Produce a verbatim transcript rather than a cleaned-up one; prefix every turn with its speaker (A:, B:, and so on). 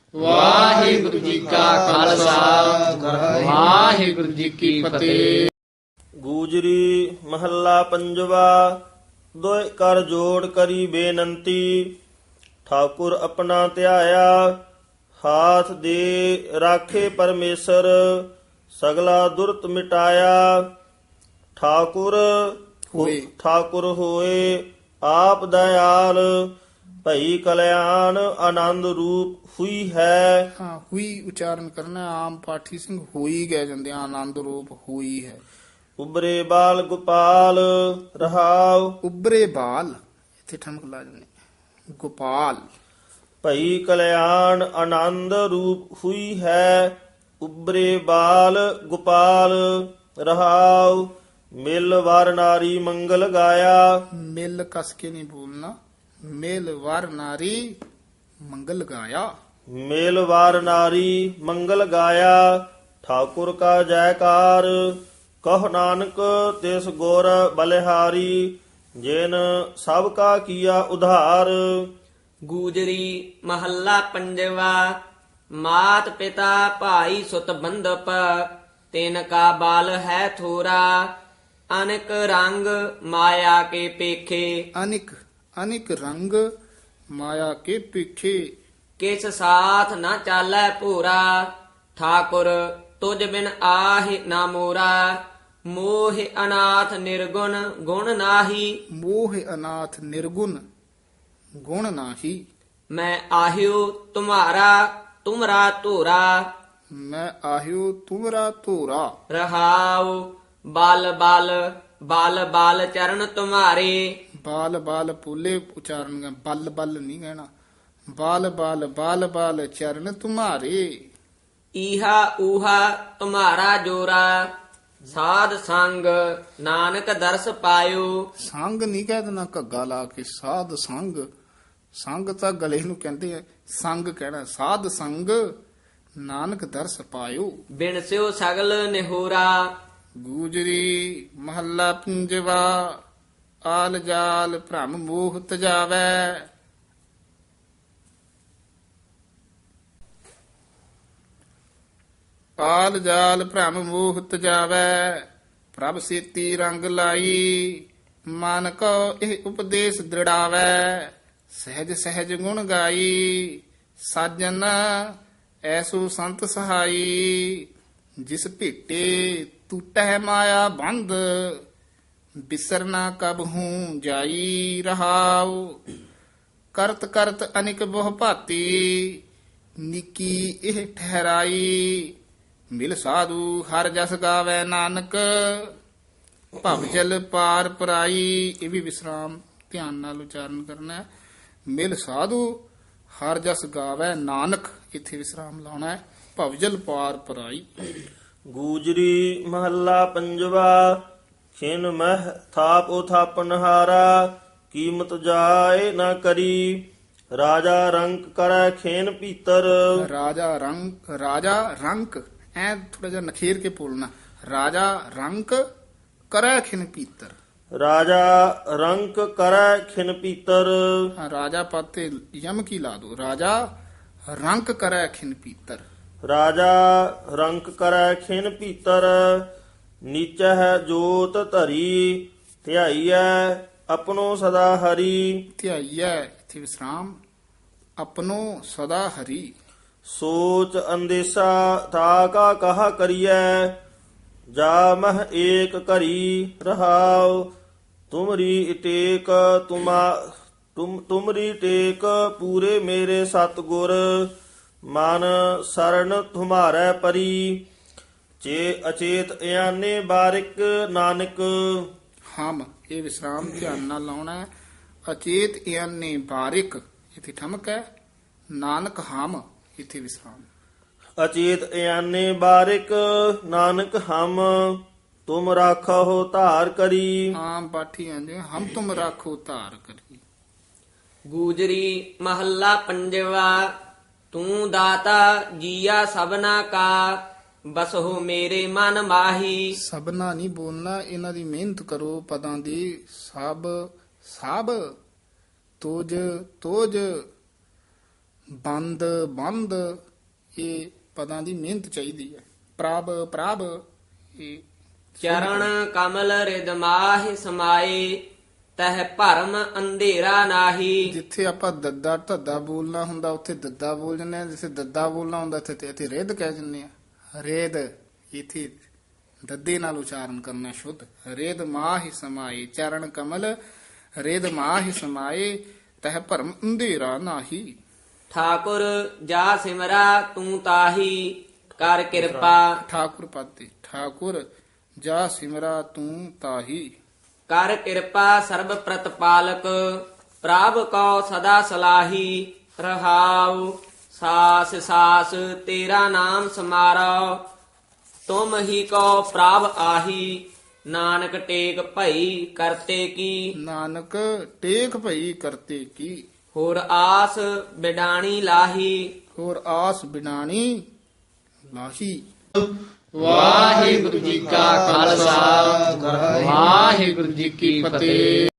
A: ਵਾਹਿਗੁਰੂ ਜੀ ਕਾ ਖਾਲਸਾ ਵਾਹਿਗੁਰੂ ਜੀ ਕੀ ਫਤਿਹ।
B: ਗੂਜਰੀ ਮਹੱਲਾ ਪੰਜਵਾ। ਦੋਇ ਕਰ ਜੋੜ ਕਰੀ ਬੇਨੰਤੀ, ਠਾਕੁਰ ਆਪਣਾ ਧਿਆਇਆ। ਹਾਥ ਦੇ ਰਾਖੇ ਪਰਮੇਸ਼ਰ, ਸਗਲਾ ਦੁਰਤ ਮਿਟਾਇਆ। ਠਾਕੁਰ
A: ਹੋਏ।
B: ਠਾਕੁਰ ਹੋਏ ਆਪ ਦਇਆਲ, ਭਈ ਕਲਿਆਣ ਆਨੰਦ ਰੂਪ ਹੁਈ ਹੈ।
A: ਹਾਂ, ਹੋਈ ਉਚਾਰਨ ਕਰਨਾ। ਆਮ ਪਾਠੀ ਸਿੰਘ ਹੋਈ ਗਏ ਜਾਂਦੇ ਆ, ਆਨੰਦ ਰੂਪ ਹੋਈ ਹੈ।
B: ਉਬਰੇ ਬਾਲ ਗੋਪਾਲ ਰਹਾਉ,
A: ਉਬਰੇ ਬਾਲ, ਇੱਥੇ ਠਮਕ ਲਾ ਜਾਂਦੇ, ਗੋਪਾਲ।
B: ਭਈ ਕਲਿਆਣ ਆਨੰਦ ਰੂਪ ਹੁਈ ਹੈ। ਉਬਰੇ ਬਾਲ ਗੋਪਾਲ ਰਹਾਉ, ਮਿਲ ਵਰ ਨਾਰੀ ਮੰਗਲ ਗਾਇਆ।
A: ਮਿਲ ਕਸ ਕੇ ਨਹੀਂ ਬੋਲਣਾ, ਮਿਲ ਵਰ ਨਾਰੀ ਮੰਗਲ ਗਾਇਆ।
B: ਮੇਲ ਵਾਰ ਨਾਰੀ ਮੰਗਲ ਗਾਇਆ। ਠਾਕੁਰ ਕਾ ਜੈਕਾਰ, ਕਹ ਨਾਨਕ ਤਿਸ ਗੁਰ ਬਲਿਹਾਰੀ। ਜਿਨ ਸਭ ਕਾ ਕੀਆ ਉਧਾਰ।
C: ਗੂਜਰੀ ਮਹੱਲਾ ਪੰਜਵਾ। ਮਾਤ ਪਿਤਾ ਭਾਈ ਸੁਤ ਬੰਧਪ, ਤਿਨ ਕਾ ਬਾਲ ਹੈ ਥੋਰਾ। ਅਨਕ ਰੰਗ ਮਾਇਆ ਕੇ ਪੇਖੇ,
A: ਅਨਿਕ ਅਨਿਕ ਰੰਗ ਮਾਇਆ ਕੇ ਪਿੱਛੇ।
C: ਕਿਸ ਸਾਥ ਨਾ ਚਾਲੈ ਭੂਰਾ। ਠਾਕੁਰ ਤੁਝ ਬਿਨ ਆਹਿ ਨਾ ਮੋਰਾ। ਮੋਹ ਅਨਾਥ ਨਿਰਗੁਣ ਗੁਣ ਨਾਹੀ।
A: ਮੋਹ ਅਨਾਥ ਨਿਰਗੁਣ ਗੁਣ ਨਾਹੀ।
C: ਮੈਂ ਆਹਿਓ ਤੁਮਾਰਾ ਤੁਮਰਾ ਧੂਰਾ।
A: ਮੈਂ ਆਹਿਓ ਤੁਮਰਾ ਧੋਰਾ।
C: ਰਹਾਉ ਬਲ ਬਲ ਬਲ ਬਲ ਚਰਨ ਤੁਮਾਰੇ।
A: ਬਾਲ ਬਾਲ ਪੂਲੇ ਉਚਾਰਨ ਕਰ, ਬਲ ਬਲ ਨਹੀਂ ਕਹਿਣਾ। ਬਾਲ ਬਾਲ ਬਾਲ ਬਾਲ ਚਰਨ ਤੁਮਾਰੇ।
C: ਈਹਾ ਊਹਾ ਤੁਮਾਰਾ ਜੋਰਾ। ਸਾਧ ਸੰਗ ਨਾਨਕ ਦਰਸ ਪਾਇਓ।
A: ਸੰਗ ਨਹੀਂ ਕਹਿ ਦੇਣਾ ਘੱਗਾ ਲਾ ਕੇ, ਸਾਧ ਸੰਗ। ਸੰਗ ਤਾਂ ਗਲੇ ਨੂੰ ਕਹਿੰਦੇ ਆ, ਸੰਗ ਕਹਿਣਾ। ਸਾਧ ਸੰਗ ਨਾਨਕ ਦਰਸ ਪਾਇਓ।
C: ਬਿਨ ਸਿਓ ਸਗਲ ਨਿਹੋਰਾ।
A: ਗੂਜਰੀ ਮਹੱਲਾ ਪੰਜਵਾ। ਆਲ ਜਾਲ ਭ੍ਰਮ ਮੋਹ ਤਜਾਵੈ। ਆਲ ਜਾਲ ਭ੍ਰਮ ਮੋਹ ਤਜਾਵੈ, ਪ੍ਰਭ ਸੇਤੀ ਰੰਗ ਲਾਈ। ਮਨ ਕੋ ਇਹ ਉਪਦੇਸ਼ ਦ੍ਰਿੜਾਵੈ, ਸਹਿਜ ਸਹਿਜ ਗੁਣ ਗਾਈ। ਸਾਜਨ ਐਸੋ ਸੰਤ ਸਹਾਈ, ਜਿਸ ਭੇਟੇ ਟੂਟੈ ਮਾਇਆ ਬੰਧ। ਬਿਸਰਨਾ ਕਬ ਹੂੰ ਜਾਈ ਰਹਾਉ, ਕਰਤ ਕਰਤ ਅਨਿਕ ਬਹੁ ਭਾਤੀ। ਨਿੱਕੀ ਇਹ ਠਹਿਰਾਈ, ਮਿਲ ਸਾਧੂ ਹਰ ਜਸ ਗਾਵੇ ਨਾਨਕ। ਭਵ ਜਲ ਪਾਰ ਪਰਾਈ। ਇਹ ਵੀ ਵਿਸਰਾਮ ਧਿਆਨ ਨਾਲ ਉਚਾਰਨ ਕਰਨਾ ਹੈ। ਮਿਲ ਸਾਧੂ ਹਰ ਜਸ ਗਾਵੇ ਨਾਨਕ, ਇੱਥੇ ਵਿਸਰਾਮ ਲਾਉਣਾ ਹੈ। ਭਵ ਜਲ ਪਾਰ ਪਰਾਈ।
B: ਗੂਜਰੀ ਮਹੱਲਾ ਪੰਜਵਾ। ਖਿਨ ਮਹਿ ਥਾਪ ਉਥਾਪਨ ਹਾਰਾ, ਕੀਮਤ ਜਾਏ ਨਾ ਕਰੀ। ਰਾਜਾ ਰੰਕ ਕਰੈ ਖੇਨ ਪੀਤਰ।
A: ਰਾਜਾ ਰੰਕ, ਰਾਜਾ ਰੰਕ ਐ ਥੋੜਾ ਜਿਹਾ ਨਖੇਰ ਕੇ ਬੋਲਣਾ। ਰਾਜਾ ਰੰਕ ਕਰੈ ਖਿਨ ਪੀਤਰ।
B: ਰਾਜਾ ਰੰਕ ਕਰੈ ਖਿਨ ਪੀਤਰ।
A: ਹਾਂ, ਰਾਜਾ ਪਾਤੇ ਯਮ ਕੀ ਲਾ ਦੋ। ਰਾਜਾ ਰੰਕ ਕਰੈ ਖਿਨ ਪੀਤਰ।
B: ਰਾਜਾ ਰੰਕ ਕਰੈ ਖਿਨ ਪੀਤਰ। ਨੀਚਹਿ ਜੋਤ ਧਰੀ, ਧਿਆਈਐ ਆਪਣੋ ਸਦਾ ਹਰੀ।
A: ਧਿਆਈਐ, ਇੱਥੇ ਵਿਸਰਾਮ। ਆਪਣੋ ਸਦਾ ਹਰੀ।
B: ਸੋਚ ਅੰਦੇਸ਼ਾ ਤਾ ਕਾ ਕਹਾ ਕਰੀਐ। ਜਾ ਮਹ ਏਕ ਘਰੀ ਰਹਾਉ, ਤੁਮਰੀ ਟੇਕ ਤੁਮਾ ਤੁਮ ਤੁਮਰੀ ਟੇਕ ਪੂਰੇ ਮੇਰੇ ਸਤਿਗੁਰ। ਮਨ ਸਰਣ ਤੁਮਾਰੈ ਪਰੀ, ਚੇ ਅਚੇਤ ਇਆਨੇ ਬਾਰਿਕ ਨਾਨਕ।
A: ਹਮ, ਇਹ ਵਿਸਰਾਮ ਧਿਆਨ ਨਾਲ ਲਾਉਣਾ ਹੈ। ਅਚੇਤ ਇਆਨੇ ਬਾਰਿਕ, ਇੱਥੇ ਠਮਕ ਹੈ। ਨਾਨਕ ਹਮ, ਇੱਥੇ ਵਿਸਰਾਮ।
B: ਅਚੇਤ ਇਆਨੇ ਬਾਰਿਕ ਨਾਨਕ ਹਮ, ਤੁਮ ਰਾਖੋ ਧਾਰ ਕਰੀ।
A: ਆਮ ਪਾਠੀ ਆਂਦੇ ਹਮ ਤੁਮ ਰਾਖੋ ਧਾਰ ਕਰੀ।
C: ਗੂਜਰੀ ਮਹੱਲਾ ਪੰਜਵਾ। ਤੂੰ ਦਾਤਾ ਜੀਆ ਸਭਨਾ ਕਾ, ਬਸਹੁ ਮੇਰੇ ਮਨ ਮਾਹੀ।
A: ਸਭਨਾ ਨਹੀਂ ਬੋਲਣਾ, ਇਹਨਾਂ ਦੀ ਮਿਹਨਤ ਕਰੋ ਪਦਾਂ ਦੀ। ਸਭ, ਸਭ, ਤੋਜ, ਤੋਜ, ਬੰਦ ਬੰਦ ਇਹ ਪਦਾਂ ਦੀ ਮਿਹਨਤ ਚਾਹੀਦੀ ਹੈ। ਪ੍ਰਭ ਪ੍ਰਭ ਇਹ
C: ਚਰਨ ਕਮਲ ਰਿਦ ਮਾਹਿ ਸਮਾਏ ਤਹ ਭਰਮ ਅੰਧੇਰਾ ਨਾਹੀ।
A: ਜਿੱਥੇ ਆਪਾਂ ਦੱਦਾ ਧੱਦਾ ਬੋਲਣਾ ਹੁੰਦਾ ਉੱਥੇ ਦੱਦਾ ਬੋਲ ਜੰਨੇ ਆ, ਜਿੱਥੇ ਦੱਦਾ ਬੋਲਣਾ ਹੁੰਦਾ ਇੱਥੇ ਤੇ ਇੱਥੇ ਰਿੱਧ ਕਹਿ ਜੰਨੇ ਆ। ਰੇਦ ਇੱਥੇ ਦੱਦੇ ਨਾਲ ਉਚਾਰਨ ਕਰਨਾ ਸ਼ੁੱਧ। ਰੇਦ ਮਾਹਿ ਸਮਾਏ ਚਰਨ ਕਮਲ ਰੇਦ ਮਾਹਿ ਸਮਾਏ ਤਹ ਭਰਮ ਅੰਧੇਰਾ ਨਾਹੀ।
C: ਠਾਕੁਰ ਜਾ ਸਿਮਰਾ ਤੂੰ ਤਾਹੀ ਕਰ ਕਿਰਪਾ।
A: ਠਾਕੁਰ ਪਾਤੇ ਠਾਕੁਰ ਜਾ ਸਿਮਰਾ ਤੂੰ ਤਾਹੀ।
C: ਕਰ ਕਿਰਪਾ ਸਰਬ ਪ੍ਰਤਪਾਲਕ ਪ੍ਰਭ ਕੋ ਸਦਾ ਸਲਾਹੀ। ਰਹਾਉ ਸਾਸ ਸਾਸ ਤੇਰਾ ਨਾਮ ਸਮਾਰੋ ਤੁਮ ਹੀ ਕੋ ਪ੍ਰਭ ਆਹੀ। ਨਾਨਕ ਟੇਕ ਭਈ ਕਰਤੇ ਕੀ
A: ਨਾਨਕ ਟੇਕ ਭਈ ਕਰਤੇ ਕੀ।
C: ਹੋਰ ਆਸ ਬਿਡਾਣੀ ਲਾਹੀ।
A: ਹੋਰ ਆਸ ਬਿਨਾਣੀ ਲਾਹੀ।
D: ਵਾਹਿਗੁਰੂ ਜੀ ਕਾ ਖਾਲਸਾ ਵਾਹਿਗੁਰੂ ਜੀ ਕੀ ਫਤਿਹ।